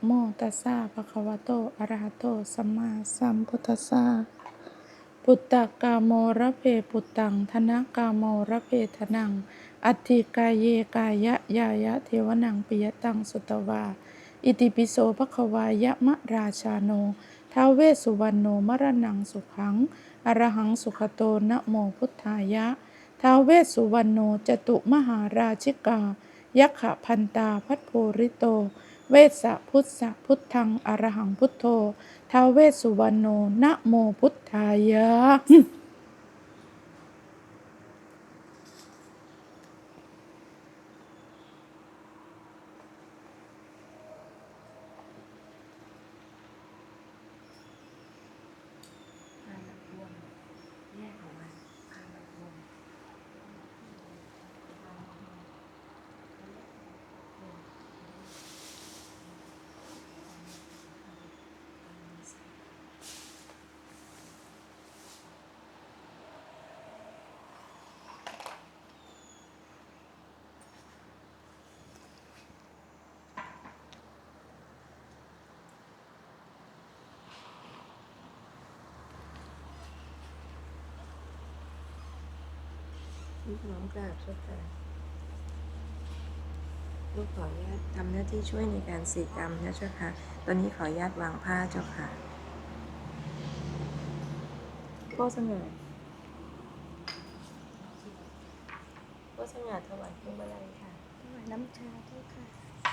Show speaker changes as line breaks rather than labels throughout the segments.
โมตัสสะภะคะวะโตอะระหะโตสัมมาสัมพุทธัสสะปุตตะกามโมระเพปุตตังธนกามโมระเพธนังอัตถิกายเยกายะยายะเทวนังปิยตังสุตวาอิติปิโสภควายะมะราชาโนท้าวเวสสุวรรณโนมรณังสุขังอรหังสุขโตนะโมพุทธายะท้าวเวสสุวรรณโนจตุมหาราชิกายัคขพันตาพัทโพริโตเวสสะพุทธะพุทธังอรหังพุทโธท้าวเวสสุวรรณโนนะโมพุทธายะ
ลูกน้องกราบเจ้าค่ะลูกขออนุญาตทำหน้าที่ช่วยในการสีกรรมนะเจ้าค่ะตอนนี้ขออนุญาตวางผ้าเจ้าค่ะพ่อสง่าพ่อสง่าถวายพวงมาลัยค่ะ
ถวายน้ำชาเจ้าค่ะ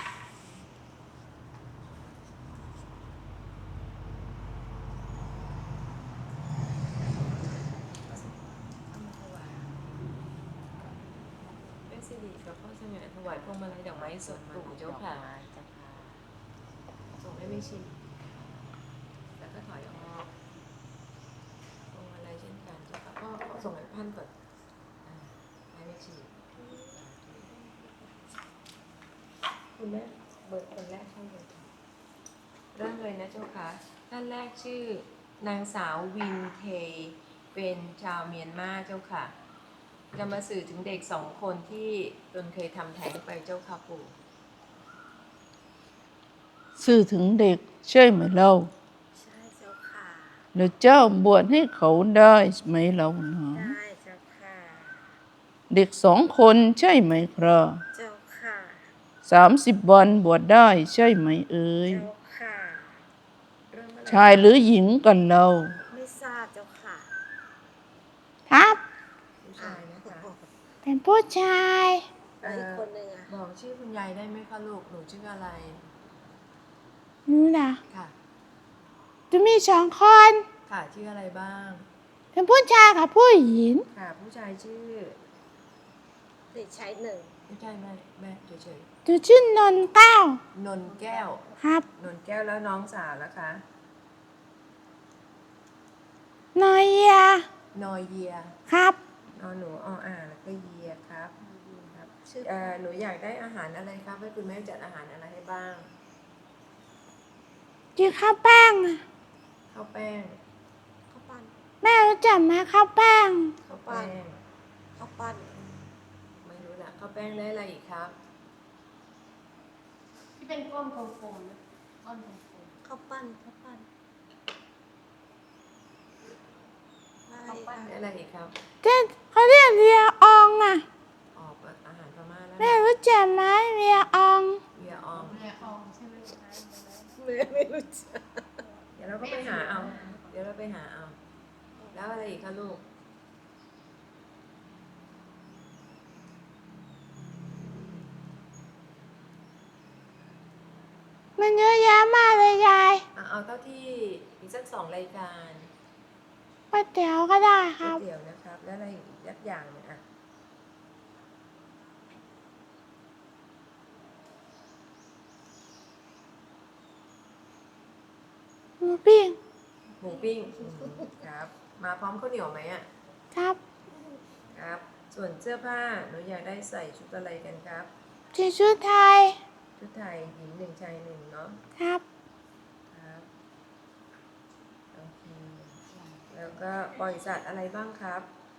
เป็นสิริกับพ่อสง่าถวายพวงมาลัยดอกไม้สดปลูกเจ้าค่ะส่งให้ไม่ชีแล้วก็ถอยออกพวงมาลัยเช่นกันเจ้าค่ะพ่อส่งให้ท่านก่อนให้ไม่ชีคุณแม่เบิกคนแรกเข้าเลยเริ่มเลยนะเจ้าค่ะท่านแรกชื่อนางสาววินเทเป็นชาวเมียนมาเจ้าค่ะจะมาสื่อถึงเด็ก2 คนที่ตนเคยทำแท้งไปเจ้าค่ะปู่
สื่อถึงเด็กใช่ไหมเรา
ใช่เจ้าค่ะ
แล้วเจ้าบวชให้เขาได้ไหมเรานะ
ได้เจ้าค่ะ
เด็ก2 คนใช่ไหมครับ
เจ้าค่ะ
30 วันบวชได้ใช่ไหมเอ่ย
เจ้าค่ะ
ชายหรือหญิงกันเรา
ไม่ทราบเจ้าค่ะ
ครับ
ผู้ชายนะคะ
เป็นผู้ชาย
แล้วอีกคนหนึ่งอะ
บอกชื่อคุณยายได้ไหมคะลูกหนูชื่ออะไร
นู่นนะ
ค่ะ
จะมี2 คน
ค่ะชื่ออะไรบ้าง
เป็นผู้ชายกับผู้หญิง
ค่ะผู้ชายชื่อ
เด็กชาย1
ไม่ใช่แม่เฉย
จะชื่อนนท์เก้าน
นแก้ว
ครับ
นนแก้วแล้วน้องสาวแล้วคะ
นอยเยีย
นอเยีย
ครับ
นอหนูแล้วก็เยียครับครับ
ชื่อ
หนูอยากได้อาหารอะไรครับให้คุณแม่จัดอาหารอะไรให้บ้าง
กินข้าวแป้งอะ
ข้าวแป้ง
ข้าวปั้น
แม่รู้จักไหมข้าวแป้ง
ข้าวแป้ง
ข้าวปั้น
ไม่รู้ละข้าวแป้งได้อะไรอีกครับ
ที่เป็นก้อนโฟมๆนะก้อนโฟม
ข้าวปั้นข้าวปั้นได้
ข้าวปั้น
ได้อะไรอีกครับ
เจ๊เขาเรียกเรียอองอ่ะ
ออกอาหารพม่าแล้ว
แม่
นะ
รู้จักไหมเรียออง
เวียออม
แม่อองใช่ไหมคะ
ไม่รู้จัก
เดี๋ยวเราก็ไปหาเอา เดี๋ยวเราไปหาเอา แล้วอะไรอีกคะลูก
มันเยอะแยะมากเลยยาย
เอาเท่าที่อีกสัก2 รายการ
ก๋วยเตี๋ยวก็ได้ค
ก๋ว
รั
ย
บ
เตี๋ยวนะครับ แล้วอะไรอีกยักอย่างเนี่ยอ่ะ
หมูปิ้ง
หมูปิ้งครับ มาพร้อมข้าวเหนียวไหมอ่ะ
ครับ
ครับ ส่วนเสื้อผ้าหนูอยากได้ใส่ชุดอะไรกันครับ
สีชุดไทย
ชุดไทยหญิง1ชาย1เนาะ
ครับ
ครับ โอเค แล้วก็ปล่อยสัตว์อะไรบ้างครับ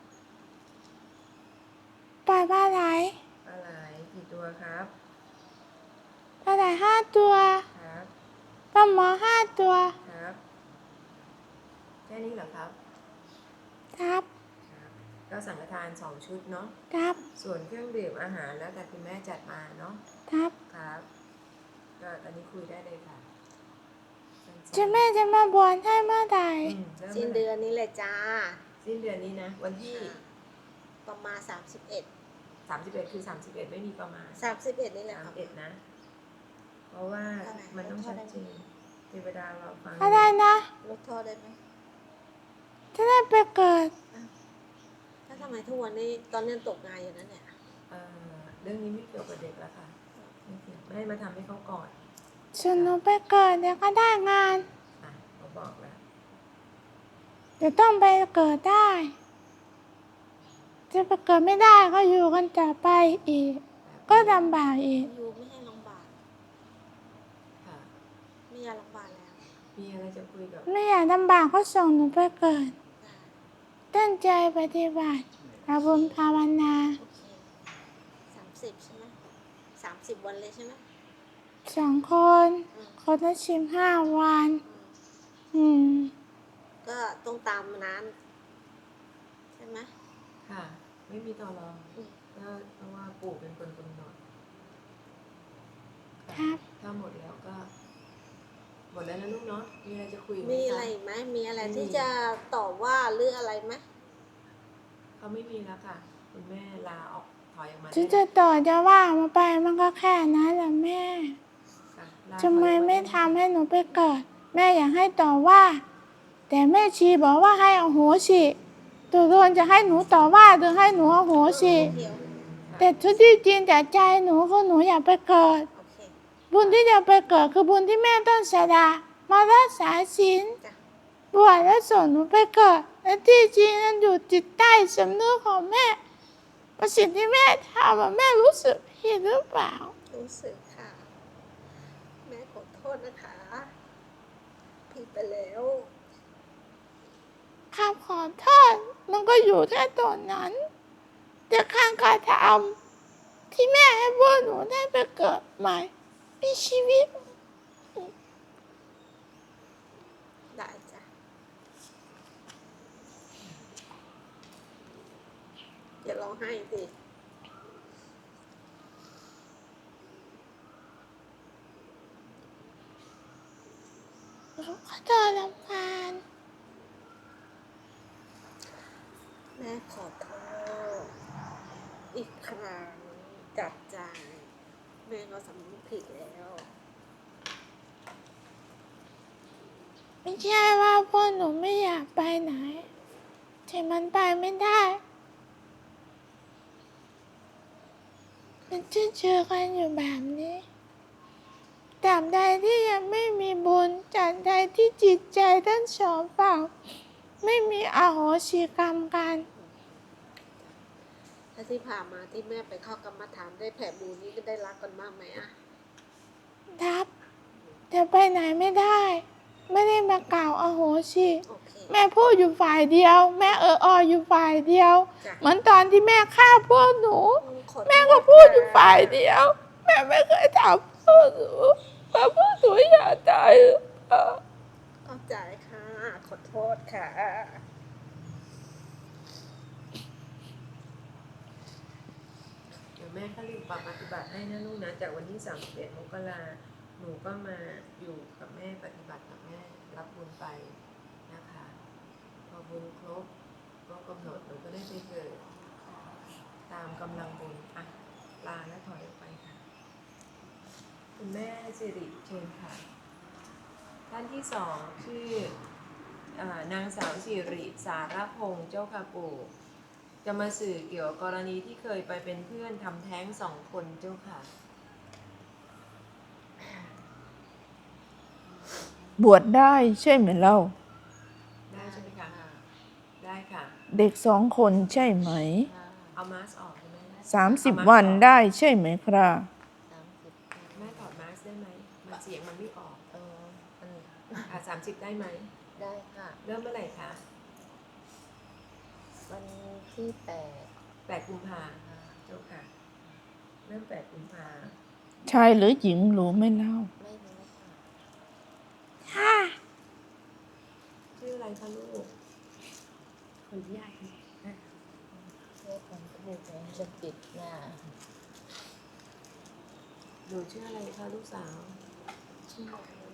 ปล่อยปลาไหล
ปลาไหลกี่ตัวครับ
ปลาไหล5 ตัว
ครับ
หมอ5 ตัว
ครับ แค่นี้เหรอครับ
ครับ
ครับ ก็สังฆทาน2 ชุดเนาะ
ครับ
ส่วนเครื่องดื่มอาหารแล้วแต่คุณแม่จัดมาเนาะ
ครับ
ครับ ก็ตอนนี้คุยได้เลยค่ะสั้นๆ
จะแม่จะมาบวชให้เมื่อไหร่
ริ่ม
สิ้นเดือนนี้แหละจ้า
สิ้นเดือนนี้นะ วันที่
ประมาณ31
31 คือ 31 ไม่มีประมาณ
31นี่แหละครับ
31 นะ เพราะว่ามันต้องชัดเจนเทวดารอฟัง
อะไรนะ
ลดโทษได้ไหม
จะได้ไปเกิด
ถ้าทำไมทุกวันนี้ตอนนี้ตกงานอยู่นั่นเนี่ย
เรื่องนี้ไม่เกี่ยวกับเด็กแล้วค่ะไม่เกี่ยวแม่มาทำให้เขาก่อน
ส่วนหนูไปเกิดเดี๋ยวก็ได้งาน
เขาบอกแล้ว
เดี๋ยวต้องไปเกิดได้ จะไปเกิดไม่ได้ก็อยู่กันต่อไปอีก ก็ลำบากอีก
อยู่ไม่ให้ลำบาก
ค่ะ
ไม่อยากลำบากแล้ว
มีอะไรจะคุยกับ
ไม่อยากลำบากก็ส่งหนูไปเกิด
ได้
ตั้งใจปฏิบัติอาบุญภาวนา
โอเค30ใช่ไหม30 วันเลยใช่ไหม
2 คน คนละ15 วัน
ก็ต้องตามนั้นใช่ไหม
ค่ะ ไม่มีต่อรอง
อืม
ก็เพราะว่าปู่เป็นคนกำหนด
ครับ
ถ้าหมดแล้วก็ หมดแล้วนะลูกเนาะ มีอะไรจะคุยไหม
มี
ค
อะไรอีกไหมมีอะไร
ไม่มี
ที่จะตอบว่าหรืออะไรไหม
เขาไม่มีแล้วค่ะ คุณแม่ลาออกถอยออกมา
ถึงจะต่อจะว่ามาไปมันก็แค่นั้นแหละแม่
ค่ะลา
ทำไม
ถอยออกา
ไม่ทำให้หนูไปเกิด แม่อยากให้ต่อว่า แต่แม่ชีบอกว่าให้อโหสิตัวโดนจะให้หนูต่อว่าหรือให้หนูอโหสิ
เดี๋ยว
แต่ทุกที่จริงแต่ใจหนูคือหนูอยากไปเกิด
โอเค
บุญที่จะไปเกิดคือบุญที่แม่ต้องสละมารักษาศีล
จ้ะ
บวชแล้วส่งหนูไปเกิดและที่จริงนั้นอยู่จิตใต้สำนึกของแม่ว่าสิ่งที่แม่ทำอะแม่รู้สึกผิดหรือเปล่า
รู้สึกค่ะ แม่ขอโทษนะคะผิดไปแล้ว
คำขอโทษมันก็อยู่แค่ตอนนั้น แต่การกระทำที่แม่ให้พวกหนูได้ไปเกิดใหม่มีชีวิต
ได้จ้ะอย่าร้องไห้สิ
รู้ขอโทษลำพาน
แม่ขอโทษอีกครั้งจากใจ แม่ก็สำนึกผิดแล้ว
ไม่ใช่ว่าพวกหนูไม่อยากไปไหนแต่มันไปไม่ได้มันจะเจอกันอยู่แบบนี้ตราบใดที่ยังไม่มีบุญตราบใดที่จิตใจทั้งสองฝั่งไม่มีอโหสิกรรมกัน
ถ้าที่ผ่านมาที่แม่ไปเข้ากรรมฐานได้แผ่บุญนี้ก็ได้รักกันมากไหมอะ
ครับแต่ไปไหนไม่ได้ ไม่ได้มากล่าวอโหสิ
โอเค
แม่พูดอยู่ฝ่ายเดียว แม่อยู่ฝ่ายเดียว
จ้ะ
เหมือนตอนที่แม่ฆ่าพวกหนู
ขอโทษ
แม่ก็พูดอยู่ฝ่ายเดียว แม่ไม่เคยถามพวกหนูว่าพวกหนูอยากตายหรือเปล่า
เข้าใจค่ะ ขอโทษค่ะ
เดี๋ยวแม่ก็รีบปรับปฏิบัติให้นะลูกนะ จากวันที่ 31 มกราหนูก็มาอยู่กับแม่ปฏิบัติกับแม่รับบุญไปนะคะ พอบุญครบก็กำหนดหนูก็ได้ไปเกิด ตามกำลังบุญอ่ะลาและถอยออกไปค่ะ คุณแม่สิริเชิญค่ะ ท่านที่สองชื่อนางสาวสิริสารพงษ์เจ้าค่ะปู่จะมาสื่อเกี่ยวกับกรณีที่เคยไปเป็นเพื่อนทำแท้ง2 คนเจ้าค่ะ
บวชได้ใช่ไหมเล่า
ได้ใช่ไหมคะ ได้ค่ะ
เด็ก2 คนใช่ไหม
เอามาสก์ออกใช่ไหม
30 วันได้ใช่ไหมครับ
แม่ถอดมาสก์ได้ไหมมันเสียงมันไม่ออก30 ได้ไหม
ได้ค่ะ
เริ่มเมื่อไหร่คะ
วันที่
8 กุมภาเจ้าค่ะ เริ่ม8 กุมภา
ชายหรือหญิงรู้ไหมเล่า
ไม่รู้ค่ะ
คะลูก
คนใหญ่เพื่อความถูกจะปิดหน้า
หนูชื่ออะไรคะลูกสาว
ชื่อ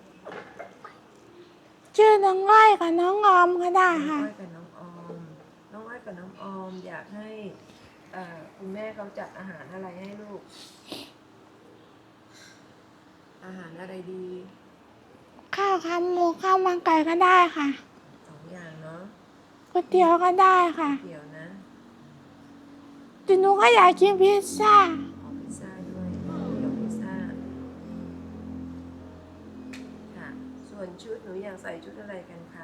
ชื่อน้องอ้อยกับน้องออมก็ได้
น้อง
ค่ะ
อ้อยกับน้องออม น้องอ้อยกับน้องออมอยากให้คุณแม่เขาจัดอาหารอะไรให้ลูก อาหารอะไรดี
ข้าวขาหมูข้าวมันไก่ก็ได้ค่ะ
2 อย่างเนาะ
ก๋วยเตี๋ยวก็ได้ค่ะ
เดี๋ยวนะ
แต่หนูก็อยากกินพิซซ่า
ขอพิซซ่าด้วยเดี๋ยวพิซซ่าค่ะ ส่วนชุดหนูอยากใส่ชุดอะไรกันคะ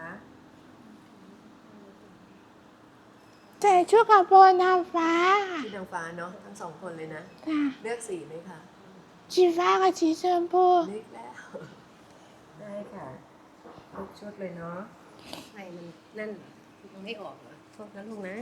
ใส่ชุดกระโปรงนางฟ้าค่ะ
ชุดนางฟ้าเนาะทั้ง 2 คนเลยนะ
ค่ะ
เลือกสีไหมคะ
สีฟ้ากับสีชมพู
เลือกแล้ว ได้ค่ะทุกชุดเลยเนาะ
ใส่มันนั่นมันไม่ออกเหรอโทษนะลูกนะ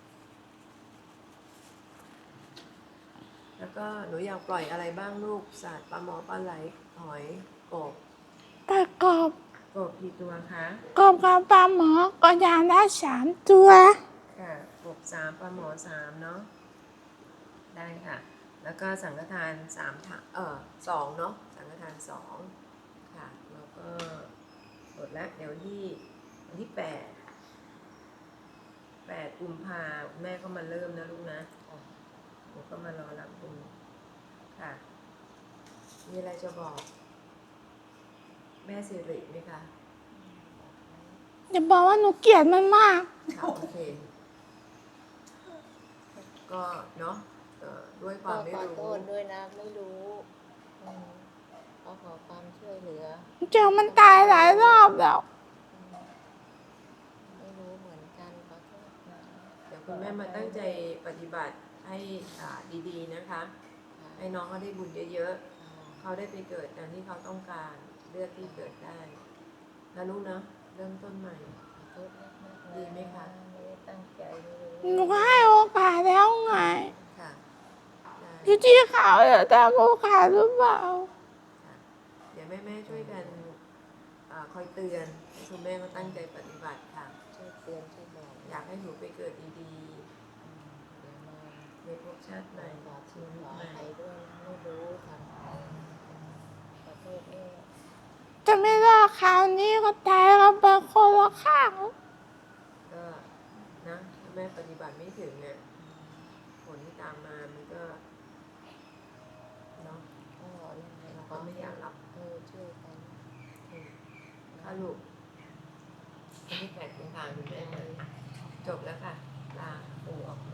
แล้วก็หนูอยากปล่อยอะไรบ้างลูกสัตว์ปลาหมอปลาไหลหอยกบ
ประกอบ
กบกี่ตัวคะ
กบกับปลาหมอก็อย่างละ3 ตัว
ค่ะกบ3ปลาหมอ3เนาะได้ค่ะ แล้วก็สังฆทาน3ถัง2เนาะสังฆทาน2ค่ะแล้วก็หมดแล้วเดี๋ยววันที่8กุมภาแม่ก็มาเริ่มนะลูกนะหนูก็มารอรับคุณค่ะมีอะไรจะบอก แม่สิริไหมคะ
อย่าบอกว่าหนูเกลียดมันมาก
ค่ะโอเค ก็เนาะด้วยความไม่
ขอ
รู้
โทษด้วยนะไม่รู้ก็ขอความช่วยเหลือ
เจอมันตายหลายรอบแล้ว
ไม่รู้เหมือนกันขอโทษนะ
เดี๋ยวคุณแม่มาตั้งใจปฏิบัติให้ดีๆนะคะ ให้น้องเขาได้บุญเยอะๆ เขาได้ไปเกิดตามที่เขาต้องการเลือกที่เกิดได้นะลูกเนาะเริ่มต้นใหม่
ขอโทษมากๆ
ดีไหมคะ
ไม่ได้ตั้งใจเลย
หนูก็ให้โอกาสแล้วไง
ค่ะได้
อยู่ที่เขาจะตามโอกาสหรือเปล่า
ค่ะเดี๋ยวแม่ๆช่วยกันคอยเตือนให้คุณแม่ก็ตั้งใจปฏิบัติค่ะ
ช่วยเตือนช่วยบอก
อยากให้หนูไปเกิดดี
เดี๋ยวมา
ๆในภพชาติใหม่
ขอ
ชี
ชื่อ
วิ
ข
ต
อ
ใหม่
ใครด้วยนะไม่รู้ทำขอโทษด้วย
จะไม่รอดคราวนี้ก็ตายกันไปคนละข้าง
ก็นะถ้าแม่ปฏิบัติไม่ถึงเนี่ยผลที่ตามมามันก็เนาะ
ก็ยังไง
เราก็ไม่อยากรับ
ช่วยกัน
ถ้าลูกวันที่8กุมภาพันธ์คุณแม่เลยจบแล้วค่ะลาปู่ออกมา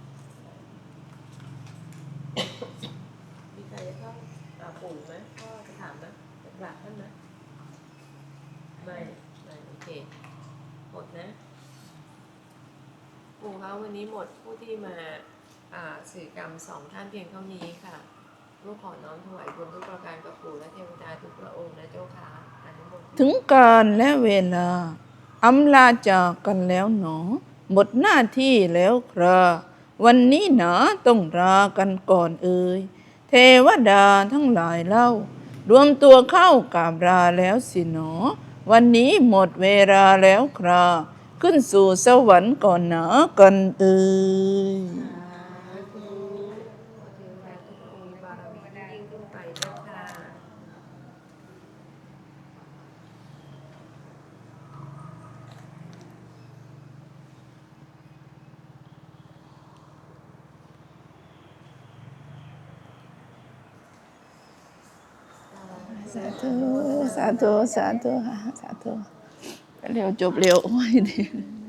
มีใครจะเข้าปู่ไหมพ่อจะถามไหมจะกราบท่านไหมไม่โอเคหมดนะ ปู่คะวันนี้หมดผู้ที่มาสื่อกรรม2 ท่านเพียงเท่านี้ค่ะลูกขอน้อมถวายบุญทุกประการกับปู่และเทวดาทุกพระองค์นะเจ้าค่ะอนุโมทนา
ถึงการและเวลาอำลาจากกันแล้วหนอ หมดหน้าที่แล้วคราวันนี้หนาต้องลากันก่อนเอ่ยเทวดาทั้งหลายเล่ารวมตัวเข้ากราบลาแล้วสิหนอ วันนี้หมดเวลาแล้วคราขึ้นสู่สวรรค์ก่อนหนากันเอ่ย
ขอเทวดาทุกองค์มีบารมียิ่งขึ้นไปเจ้าค่ะ
สาธุ สาธุ สาธุค่ะ สาธุ เร็วจบเร็วโอ้ยดี